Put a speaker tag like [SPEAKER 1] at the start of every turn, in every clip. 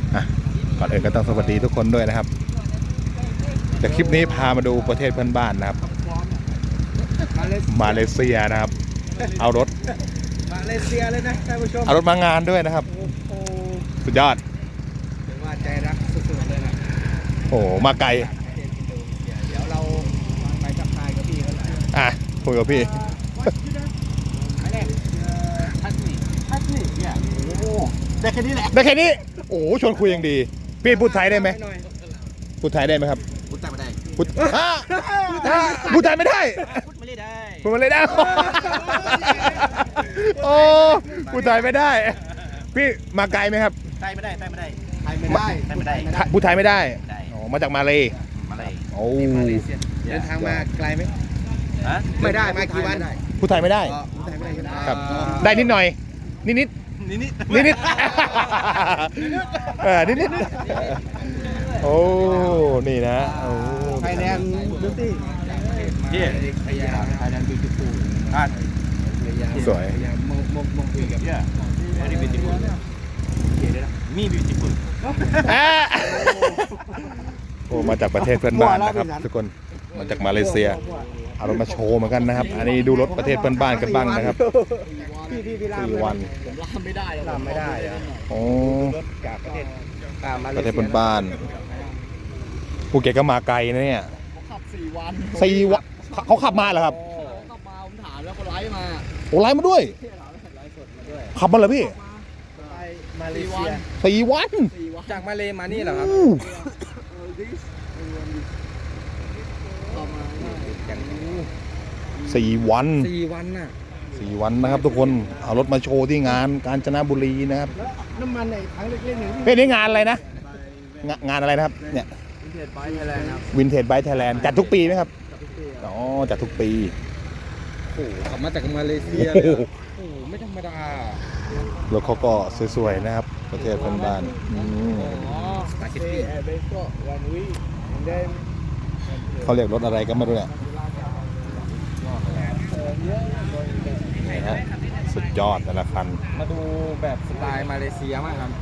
[SPEAKER 1] ก่อนอื่นก็ต้องสวัสดีทุกคนด้วยนะครับแต่คลิปนี้พามาดูประเทศเพื่อนบ้านนะครับมาเลเซียนะครับเอารถ
[SPEAKER 2] มาเลเซียเลยนะท่านผู้ชม
[SPEAKER 1] เอารถมางานด้วยนะครับสุดยอด
[SPEAKER 2] ถือว่าใจรักสุดๆเลยนะ
[SPEAKER 1] โอ้มาไกล
[SPEAKER 2] เดี๋ยวเราไปทักทายกับพี่เขาหน่อย
[SPEAKER 1] คุยกับพี่
[SPEAKER 2] เนี่ยโอ้ได้แค่นี้แหละ
[SPEAKER 1] ได้แค่นี้โอ้ชวนคุยยังดีพี่พูดไทยได้ไหมพูดไทยได้ไหมครับ
[SPEAKER 2] พูดไทยไม่ได้
[SPEAKER 1] พูดไทยไม่ได้
[SPEAKER 2] พูดไม่ได้
[SPEAKER 1] พูดไม่ได้โอ้พูดไทยไม่ได้พี่มาไกลไหมครับ
[SPEAKER 2] ไทยไม่ได้
[SPEAKER 1] พูดไทยไม่ได้อ๋อมาจากมาเลยโอ้
[SPEAKER 2] เดินทางมาไกลไหมไม่ได้มากี่วัน
[SPEAKER 1] พูดไทยไม่ได้ครับได้นิดหน่อยนิดนิดโอ้นี่นะโอ้
[SPEAKER 2] ไทยแลนด์บิวตี้ไทยแลนด์บิวตี้ฟูล
[SPEAKER 1] สวย
[SPEAKER 2] มองคุยกับvery beautiful มี beautiful
[SPEAKER 1] โอ้มาจากประเทศเพื่อนบ้านนะครับทุกคนมาจากมาเลเซียเอารถมาโชว์เหมือนกันนะครับอันนี้ดูรถประเทศเพื่อนบ้านกันบ้างนะครับ4 วัน
[SPEAKER 2] ผมลามไม่ได้
[SPEAKER 1] โอ้
[SPEAKER 2] รถจากประเทศ
[SPEAKER 1] เพื่อนบ้านภูเก็ตก็มาไกลนะเนี่ย
[SPEAKER 2] ขับ4 วัน
[SPEAKER 1] เขาขับมาเหรอครับ
[SPEAKER 2] ขับมาผมถามแล้วเขาไลฟ์มา
[SPEAKER 1] โอ้ไลฟ์มาด้วยขับมาเหรอพี่
[SPEAKER 2] มาเลเซีย
[SPEAKER 1] 4 วัน
[SPEAKER 2] จากมาเลมานี่เหรอครับ
[SPEAKER 1] 4 วัน
[SPEAKER 2] น่ะ
[SPEAKER 1] 4 วันนะครับทุกคนเอารถมาโชว์ที่งานกาญจนบุรีนะครับ
[SPEAKER 2] น้ำมันในถังเล็กๆนี่
[SPEAKER 1] เป็นงานอะไรนะงานอะไรนะครับเนี่ย
[SPEAKER 2] วินเทจไบค์ไทยแลนด์
[SPEAKER 1] จัดทุกปีไหมครับอ๋อจัดทุกปี
[SPEAKER 2] โอ้ขับมาจากมาเลเซียโอ้ไม่ธรรมดาร
[SPEAKER 1] ถเขาก็สวยๆนะครับประเทศเพื่อนบ้านเขาเรียกรถอะไรก็ไม่รู้เนี่ยสุดยอดแต่ละคัน
[SPEAKER 2] มาดูแบบสไตล์มาเลเซียมากครับ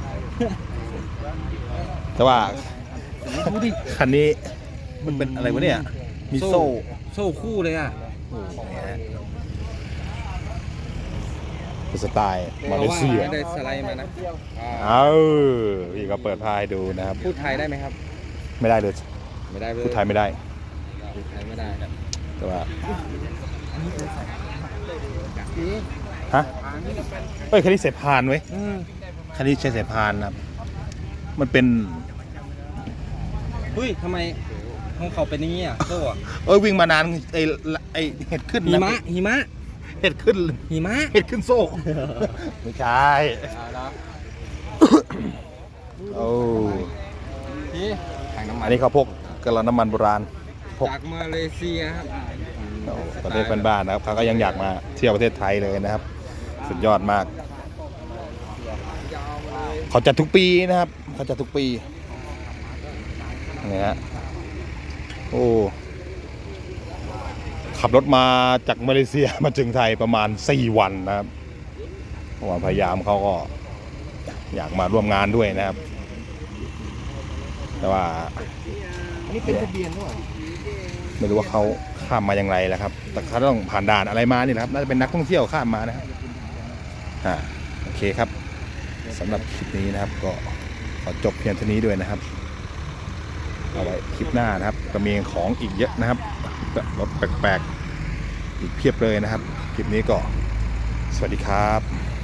[SPEAKER 1] แต่ว่าคันนี้มันเป็นอะไรวะเนี่ยมีโซ่
[SPEAKER 2] คู่เลยอ่ะ
[SPEAKER 1] เป็นสไตล์มาเลเซีย
[SPEAKER 2] ไม่ได้สไลด์มานะ
[SPEAKER 1] พี่ก็เปิดพายดูนะครับ
[SPEAKER 2] พูดไทยได้ไหมครับ
[SPEAKER 1] ไม่ได้เลยพูดไทยไม่ได้แต่ว่าฮะคันนี้เสพานไว้คันนี้ใช้เสพานนะครับมันเป็น
[SPEAKER 2] ทำไมของเขาเป็นอย่างนี้อ่ะโซ่
[SPEAKER 1] วิ่งมานานไอเห็ดขึ้น
[SPEAKER 2] หิมะ
[SPEAKER 1] เห็ดขึ้นโซ่ไม่ใช่โอ้อันนี้เขาพกกระน้ำมันโบราณ
[SPEAKER 2] จากมาเลเซียครับ
[SPEAKER 1] ประเทศเพื่อนบ้านนะครับเขาก็ยังอยากมาเที่ยวประเทศไทยเลยนะครับสุดยอดมากเขาจัดทุกปีนะครับเขาจัดทุกปีนี่ฮะโอ้ขับรถมาจากมาเลเซียมาถึงไทยประมาณ4 วันนะครับเพราะว่าพยายามเขาก็อยากมาร่วมงานด้วยนะครับแต่ว่า
[SPEAKER 2] อันนี้เป็นทะเบียนด้วย
[SPEAKER 1] ไม่รู้ว่าเขาข้ามมาอย่างไรแล้วครับแต่เขาต้องผ่านด่านอะไรมานี่นะครับน่าจะเป็นนักท่องเที่ยวข้ามมานะครับโอเคครับสำหรับคลิปนี้นะครับก็ขอจบเพียงเท่านี้ด้วยนะครับเอาไว้คลิปหน้านะครับก็มีของอีกเยอะนะครับรถแปลกๆอีกเพียบเลยนะครับคลิปนี้ก็สวัสดีครับ